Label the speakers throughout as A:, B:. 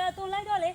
A: tôi lấy đó đi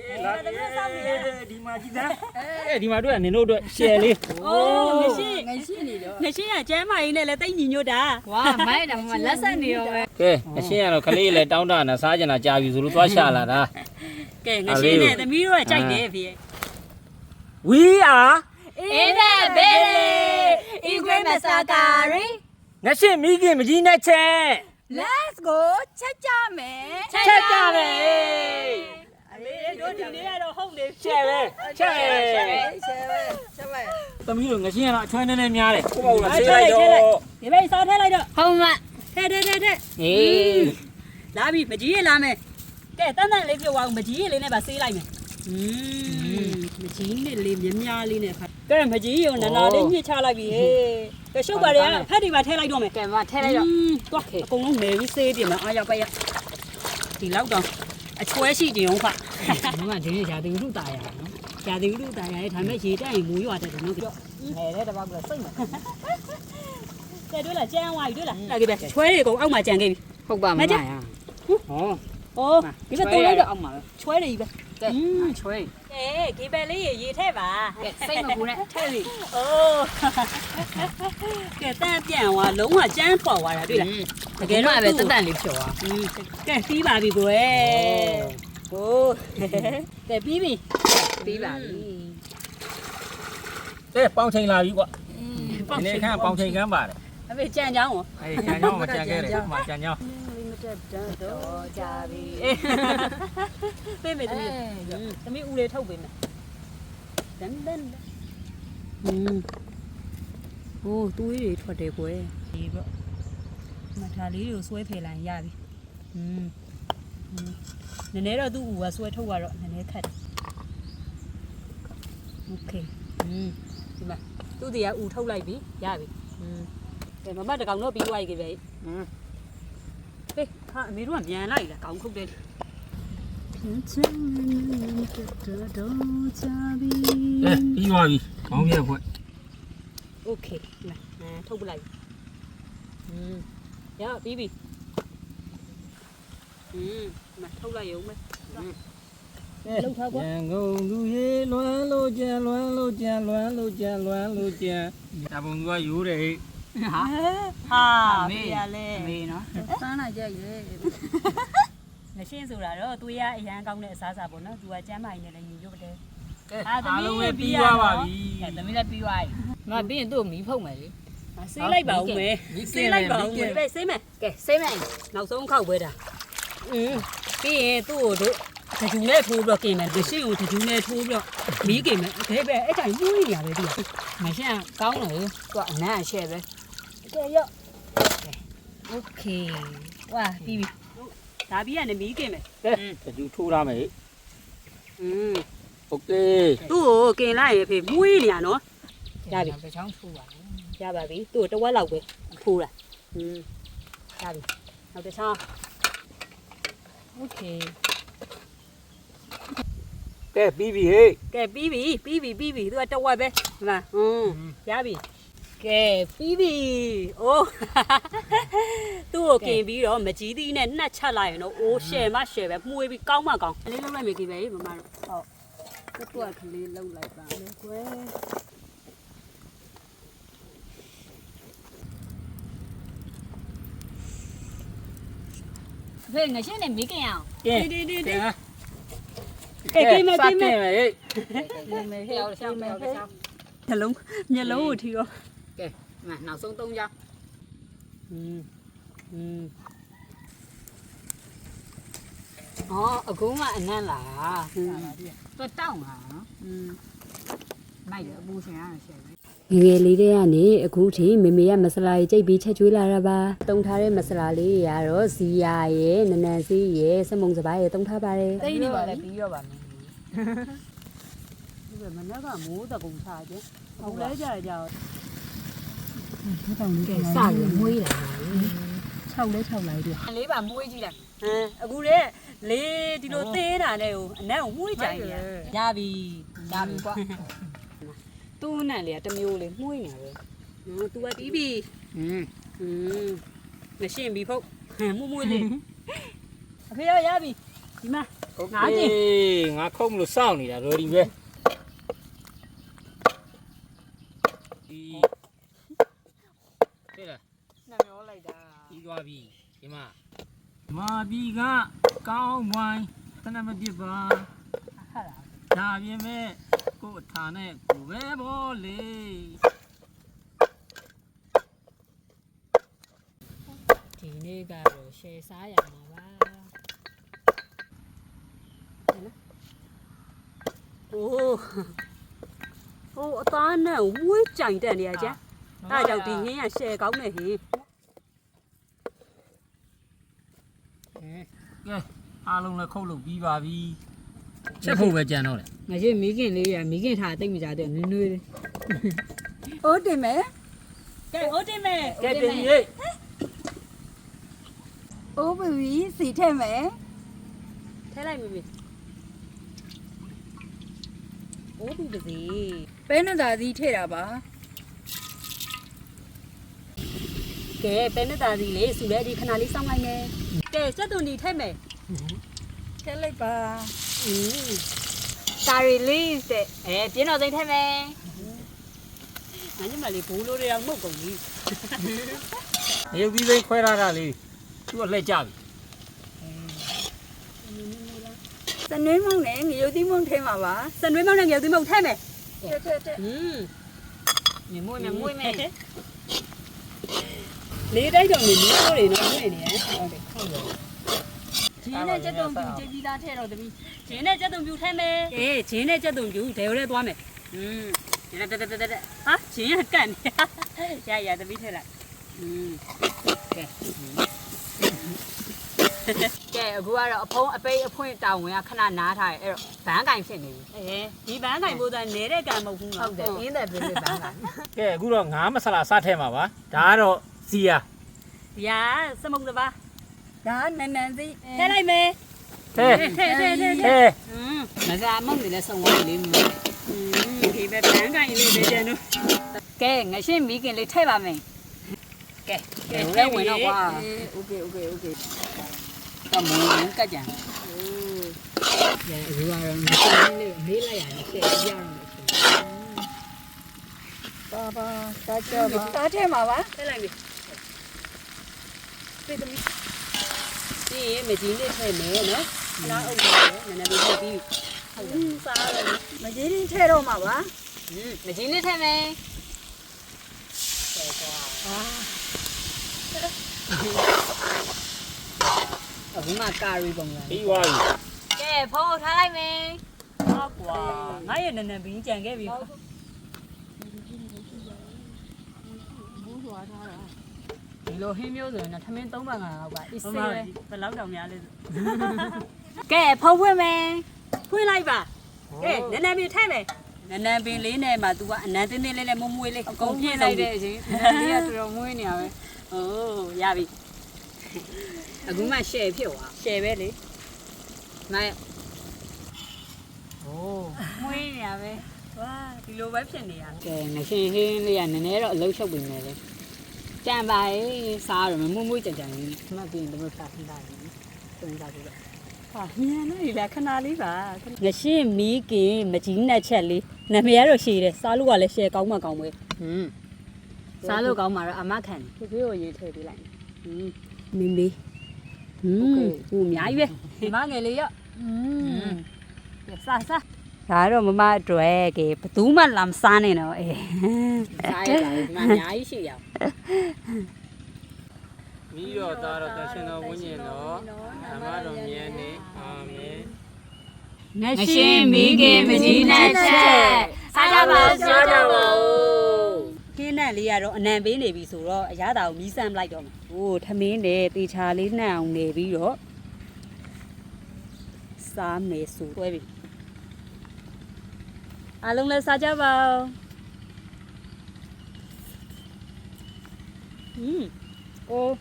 B: đi mà chị ra đi mà đứa này nô đuổi xe đi
A: ô ngày xưa à cha mày này là tay nhìn vô đã
C: wow mấy đằng mà lát sáng nhiều rồi
B: cái xe nó khali lại đau đau là sao cho nó chào dù lúc toa xa là đó
A: cái ngày xưa này tao biết rồi chạy đi về
B: quý à
C: Ida Bele Igwe Masakari
B: ngày xưa mấy cái mà gì nè che
C: Let's go chắc cha mẹ
B: che cha về
A: đứa đi đi đâu không đi
B: che về tao nghĩ ngày xưa nó chơi nên em nhà đấy có bao là xe lại cho
A: thì bây sao thế này được
C: không ạ
A: thế lá bị mà chỉ làm mày cái tao này lấy vào mà chỉ lấy này bà xí lại mày mà chỉ này lấy nhắm nha lấy này cái mà chỉ dùng là đến như cha lại bị cái số bà đấy phát đi bà thế lại đâu mày
C: cái mà thế này rồi
A: quá con nó mềm với xe thì mà ai vào bây giờ thì lâu rồi chuối xí thì không phải nhưng mà thế nhà tình lúc tài à nhà tình lúc tài này thằng mấy chị cái mũi vào thì nó kêu này đấy là bao giờ xinh mà cái đứa là trang ngoài đứa là cái bé chuối thì cũng ông mà chàng cái
C: không bà mà à
A: ô cái bé tôi lấy được
B: ông mà
A: chuối đi bé
C: chuối
A: cái bé lấy gì thế bà
C: xinh mà cô này thế gì
A: ô cái ta chàng à lúng à trang bỏ vào là đứa là
C: cái mà về tất cả lịch sử à
A: cái phí bà bị rồi ô cái phí bị
C: bà
B: thế bao nhiêu là gì quá này khác bao nhiêu cái bà này
A: về trang nhau hả
B: trang nhau mà trang cái này mà trang nhau
A: bên mày tao mới u lên thâu bên này đánh ô túi để thuật để của em mà thà lý rồi xuôi phải làm ya đi nên nếu là tu và xuôi thâu vào rồi nên nếu thật ok thì mà tu thì u thâu lại bí ya bí để mà bắt được còng nó bị quay cái vậy ê mấy đứa nhà này là còng không đến
B: đi ngoài đi không nghe vậy
A: ok này thâu lại ya bí bí mà thâu lại không mấy lâu thâu quá
B: ngô nuôi loa lô cha ta buồn qua vũ đi
A: ha mê
C: nó sáng này chơi vậy
A: này xin rồi đó tôi á anh công này xả bọn nó tôi chém mày này là nhìn vô đây
B: alo em đi qua bà đi
C: tao mới là pi hoài mà biết tôi mỹ phong mày
A: xí lấy bầu mẹ xí lấy bầu mẹ đây xí mày
C: kệ xí mày
A: nào xuống khẩu về đã cái tôi đó thì chúng này thu được kì mày để xí thì chúng này thu được mỹ kì mày thế về ấy chạy mũi nhà về đi
C: mày xem cao nữa quả nè xe về
A: ok wow bibi đã biết anh mỹ kì mày
B: để chú thu ra mày ok
A: tôi kì lại phải mũi nhà nó
C: ra bị phải chóng thu à
A: ra bà bí tôi trong quá lâu về thu là ra đi nào để sao
C: ok
B: cái bibi ấy
A: cái bibi tôi trong quá về là ra đi cái bibi ô tôi kì bí đó mà chỉ đi nên nó chả lại nó ô xe mà xe về mũi bị cong mà còn lấy lâu lại mấy cái vậy mà cái tuổi khăn lên lâu lại bà lên quê
C: về ngày trước này mỹ cái nào
A: đi
B: cái mày
C: mày theo sao
A: nhà lâu thì không
C: kệ mà nào xuống tung cho ở cũng mà anh là tôi tao mà mày ở bu xe
A: ငယ်လေးတွေကနေအခုထိမေမေကမဆလာကြီးကြိတ်ပြီးချက်ကျွေးလာတာပါတုံထားတဲ့မဆလာလေးတွေကတော့ဇီယာရဲ့နနန်စီးရဲ့စမုံစပားရဲ့တုံထားပါတယ်
C: တိတ်နေပါလေပြီးတော့ပါမယ်
A: ဒီကမနက်ကမိုးတကုံချခြင်းဟုတ်လဲကြကြတော့ကဲစရမွေးလာ6လဲ6လိုက်ပြီ
C: လေးပါမွေးကြည့်လိုက်
A: အခုလေလေးဒီလိုသေးတာနဲ့ဟိုအနံ့ကိုမွေးကြိုင်နေရပြီ
C: ကွာသူ့နဲ့လေတမျိုးလေးမှုနေတယ်
A: သူကတီးပြီမရှင်းပြီဖုတ်မှုလေးအဖေရပြီဒီမှာ
B: โอเคငါခုံးမလို့စောင့်နေတာ ready ပဲဒီဟဲ့လား
C: နှမျောလိုက်တာ
B: ပြီးသွားပြီဒီမှာမာပြီးကကောင်းဝိုင်းတနမပြစ်ပါ
C: ဟာလား
B: ဒါပြင်မဲ့ကို့အထာနဲ့ကိုပဲဘောလေ
C: ဒီနေ့ကတော့ရှယ်စားရမှာပါ
A: โอ้โอ้အသားနဲ့ဝေးကြိုင်တက်နေရကြအဲ့ဒါကြောင့်ဒီဟင်းကရှယ်ကောင်းနေဟင်း
B: ကဲအားလုံးလည်းခုတ်လို့ပြီးပါပြီချက်ဖို့ပဲကြံတော့တယ်
C: ငါချင်းမိခင်လေးရမိခင်ထားတိတ်မကြတဲ့နွေးနွေးလေး
D: အိုးတင်မယ်
A: ကဲဟုတ်တယ်မဲ့
B: ကဲတင်ကြီး
D: အိုးပူကြီးစီထည့်မယ်
A: ထဲလိုက်မိမိโอ้ပြီပါစေ
D: ပဲနတာစီထည့်တာပါ
A: ကဲပဲနဲ့တာစီလေးစုလဲဒီခဏလေးစောင့်လိုက်မယ်ကဲစက်သွန်ဒီထဲမယ်
D: ထည့်လိုက်ပါ
C: တာရီလေးတဲ့ပြင်းတော်စိမ့်ထဲမယ်
A: ငါညမလေးဘိုးလိုတွေအောင်မှုတ်ကုန်ပြီ
B: နေုပ်ပြီးသိခွဲထားတာလေးသူ့အလှည့်ကြပြီ
D: စနွေးမုံနဲ့ငရုတ်သီးမုံထည့်မှာပါ
A: စံရွေးမောင်းနဲ့ငယ်သူမဟုတ်ထဲမယ်
D: ထည့်ထည့်ထည့်
C: မြမွေးမြမွေးမယ်
A: လေးတိုက်တော့နေမျိုးတွေနော်နေနေဟုတ်တယ်ဟုတ်တယ်
C: ဒီနေ့ချက်တုံးပြူကြိတ်ပြီးသားထဲတော့တမီး
A: ဂျင်းနဲ့ကြက်သွန်ပြူထဲမယ်အေးဂျင်းနဲ့ကြက်သွန်ပြူဒဲရဲသွားမယ်ဒီတက်တက်တက်ဟာဂျင်းကကန့်နေရသမီးထဲလိုက်က
C: ဲအခုကတော့အဖုံးအပိတ်အဖွင့်တောင်းဝင်ကခဏနားထားတယ်အဲ့တော့ဘန်းကင်ဖြစ်နေပြီ
A: အေးဒီဘန်းကင်ပိုးသားနေတဲ့ကံမဟုတ်ဘူးနော်
C: ဟုတ်တယ်အင်းတဲ့ပြည့်ပြည့်ဘန်းကင်
B: ကဲအခုတော့ငါးမဆလာစထဲမှာပါဒါကတော့စီယာ
A: ရာစမုတ်တပါ
D: ဒါနန်းနန်းစီ
A: ထဲလိုက်မယ်
B: ဟဲ့
A: ထဲ
B: ဟဲ့
C: မစားမုံနေလဲစုံဝဲလေးမျိုး
A: ဒီပဲဘန်းကင်လေးပဲကျန်တော့
C: ကဲငရှင်းမိခင်လေးထည့်ပါမယ်ကဲထဲဝင်တော့ကွာ
D: โอเคโอเคโอเค
C: ကမုံကကြံအခုကတော့ငရှင်းလေးမေးလိုက်ရတယ်ရှယ်ပြရအောင်
D: ပါပါတာချပါတာထည့်မှာပါ
A: ထဲလိုက်ပြီပြေးသမီးဒီမကြီးလေးထဲမယ်နော်ခဏအုပ်တယ်နည်းနည်းလေးပြီးဟုတ်စားရတယ်
D: မကြီးရင်ထည့်တော့မှာပါ
C: မကြီးလေးထည့်မယ်အခုမှကာရီပုံစံ
B: ပြီးသွားပြီ
C: ကဲဖုန်းထားလိုက်မယ်
A: ဟုတ်ကွာငါရဲ့နည်းနည်းပြီးကြံခဲ့ပြီ
C: ဒီလိုဟင်းမျိုးဆိုရင်တော့ထမင်း3ပါး5လောက်ကအေး
A: ဟုတ်
C: ဆေး
A: ပါ
C: ပဲ
A: ဘယ်လောက်တောင်များလဲဆို
C: ကဲဖုန်းဖွင့်မယ်
A: ဖွင့်လိုက်ပါကဲနည်းနည်းပြီးထဲမယ်နည်းနည်းပင်လေးနဲ့မှ तू ကအနန်းတင်းတင်းလေးနဲ့မွမွေးလေး
C: အကုန်ပြည့်လိုက်တဲ့အချိန်လေးကတော်တော်မွေးနေရပဲ
A: โอ้ရပြီ
C: အခုမှရှယ်ဖြစ်သွား
A: ရှယ်ပဲလေ
C: နိုင်
B: โอ้
C: မွေးနေရပဲ
A: ဝါဒီလိုပဲဖြစ်နေရ
C: ကဲငရှင်ဟင်းလေးကနည်းနည်းတော့အလုံးချုပ်ပြီမယ်လေကြံပါရေးစားတော့မမွေးကြံကြံလေးမှတ်ပြီးရင်တို့ဖတ်ထားတယ်သုံးစားကြည့်တော့
A: ဟာညံနေလေခဏလေးပါငရှင်းမီးကင်မကြီးနဲ့ချက်လေးနာမည်ကတော့ရှည်တယ်စားလို့ကလည်းရှယ်ကောင်းမှကောင်းပဲ
C: စားလို့ကောင်းမှာတော့အမခံ
A: ဒီပြေကိုရေးထည့်ပေးလိုက်မင်းလေးဟိုအများကြီးပဲ
C: ဒီမငယ်လေးရော
A: စားစားဒါတော့မမအတွက်ကဘသူမှလာမစားနဲ့တော့အေး
C: စားရပါဘူးဒီမှာအများကြီးရှိရအောင်
B: ပြီးတော့သားတော့တန်ရှင်တော်ဝိညာဉ်တော်ဓမ္မတော်မြတ်နေအာမင်
C: ငရှင်မိခင်မကြီးနဲ့ချက်စားကြပါစားကြပါဦး
A: ခင်းနဲ့လေးကတော့အနံပေးနေပြီဆိုတော့အရသာကိုမီးစမ်းလိုက်တော့မယ်ဟိုထမင်းနဲ့တေချာလေးနှံ့အောင်နေပြီးတော့စားမယ်ဆိုတွဲပြီအားလုံးလည်းစားကြပါဦးအိုး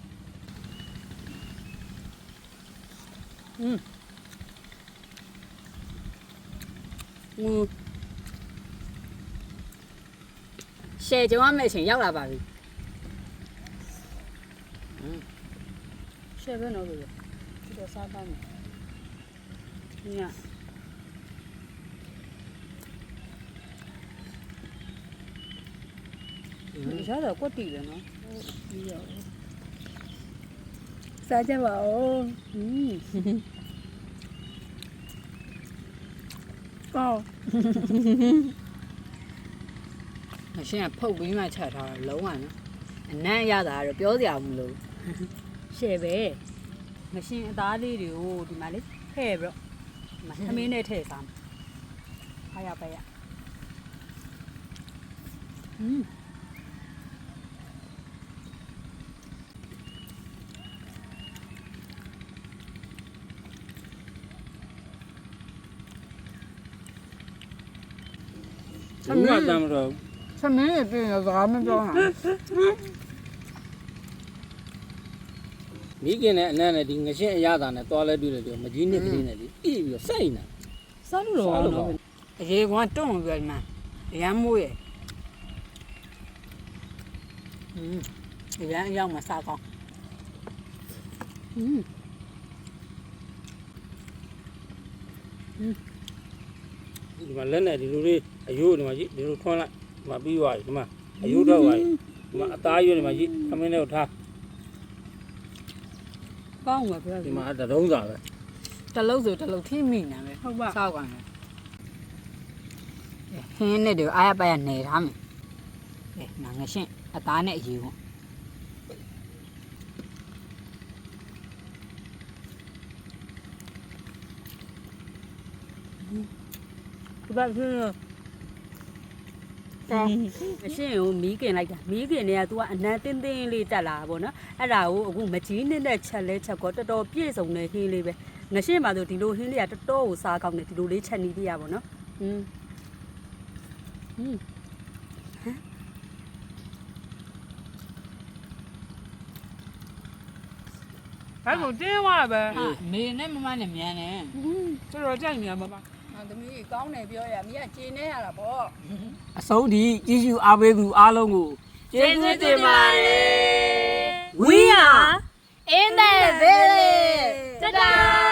C: ရှယ်ကြုံရမယ့်အချိန်ရောက်လာပါပြီ
A: ရှယ်ပဲနော်လို့ဒီတော့စားပါမယ်
C: ည ရတော့ကွက်တီတယ်နော်
D: စားကြပါဦး ကောင်း
C: အရှင်ကဖုတ်ပြီးမှချက်ထားတော့လုံးဝနော်အနံ့ရတာကတော့ပြောစရာမလို
A: ရှယ်ပဲငရှင်အသားလေးတွေကိုဒီမှာလေထည့်ပြီးတော့ဒီမှာသမင်းနဲ့ထည့်စားမှာအားရပါရ
B: ဘူးကတမ်းမတော့
C: သမင်းရပြင်စကားမပြောတာ
B: မိခင်နဲ့အနံ့နဲ့ဒီငရှင်းအရသာနဲ့သွားလဲပြည့်တယ်ပြောမကြီးနှစ်ကလေးနဲ့လေအေးပြီးတော့စိုက်နေတာ
A: စားလို့တော့နော်
C: အရေကွာတွန့်ပြီးမှအရမ်းမိုးရအရမ်းအရောက်မှစားကောင်း
B: ဒီမှာလက်နဲ့ဒီလိုလေးအယိုးဒီမှာကြီးဒီလိုထွန်းလိုက်ဒီမှာပြီးသွားပြီဒီမှာအယိုးတော့သွားပြီဒီမှာအသားရွက်ဒီမှာကြီးခမင်းလေးကိုထား
A: ကောင်းမှာပြော
B: ဒီမှာတရုံးစာပဲ
C: တလုံးဆိုတလုံးထိမိနေမယ်ဟုတ်ပါစောက်ကန်တယ်ဟင်းနဲ့တွေအားရပါရနေထားမယ်ငါငရှင်းအသားနဲ့အရေကွာ
A: ဒီဘက်ဖြစ်ကောင်းအရှင်ကိုမီးกินလိုက်တာမီးกินနေက तू ကအနံတင်းတင်းလေးတက်လာတာပေါ့နော်အဲ့ဒါကိုအခုမကြီးနှစ်နဲ့ချက်လဲချက်ကောတော်တော်ပြည့်စုံတဲ့ဟင်းလေးပဲငရှင်ပါဆိုဒီလိုဟင်းလေးကတော်တော်ကိုစားကောင်းတယ်ဒီလိုလေးချက်နေပြရပါတော့နော်
E: အဲ့ကိုတင်းသွားပဲ
C: မေနဲ့မမနဲ့မြန်နေ
E: တော်တော်ကြိုက်နေရမှာပါ
D: ငါသမီးကောင်းတယ်ပြောရမင်းကကျေနေရတာပေါ့
B: အဆုံးထိကြီးစုအားပေးသူအားလုံးကိုကျေးဇူးတင်ပါတယ်
A: We are
C: in the village
A: တဒါ